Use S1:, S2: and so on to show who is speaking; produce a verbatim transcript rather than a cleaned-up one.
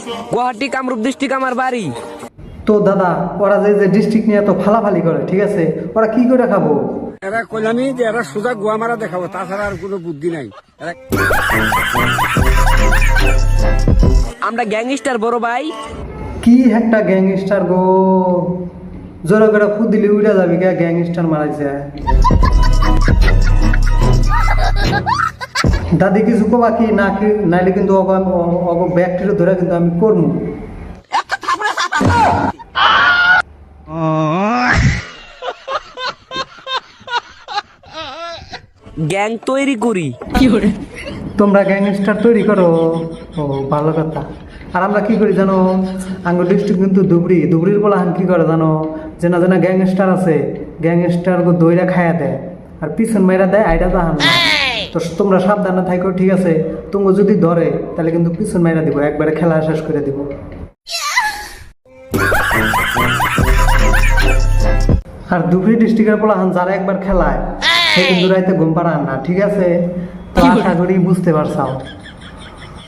S1: Guwahati Kamrup district আমার বাড়ি।
S2: তো দাদা ওরা যে যে ডিস্ট্রিক্ট নিয়ে তো ফালাফালি করে, ঠিক আছে, ওরা কি করে খাবো?
S3: এরা কইলামি যে এরা সোজা গোয়া মারা দেখাবো, তাছাড়া আর কোনো বুদ্ধি নাই। এরা
S1: আমরা গ্যাংস্টার বড় ভাই।
S2: কি একটা গ্যাংস্টার গো, জোরে করে ফুদ দিলে উড়ে যাবি কে, গ্যাংস্টার মারাইছে। দাদি কিছু কবা কি না কি, নাইলে কিন্তু অগ ব্যাকটেরিয়া ধরে কিন্তু আমি করবো।
S1: গ্যাং তৈরি করি।
S2: তোমরা গ্যাংস্টার তৈরি করো, ও ভালো কথা। আর আমরা কি করি জানো, আঙ্গুর ডিস্ট্রিক্ট কিন্তু ধুবড়ি, ধুবড়ির বলাহান কি করে জানো, চেনা চেনা গ্যাংস্টার আছে, গ্যাংস্টার গো দইরা খাইয়া দেয় আর পিছন মেয়েরা দেয় আইডা জাহান। তো তোমরা সাবধানে থাকো, ঠিক আছে? তোমরা যদি ধরে তাহলে কিন্তু পিছন মেয়েরা দিব, একবারে খেলা শেষ করে দিব। আর ধুবড়ি ডিস্ট্রিক্টের বলাহান যারা একবার খেলায় সে কিন্তু রাইতে ঘুম পাড়ান না, ঠিক আছে? তো আশা করি বুঝতে পারছাও।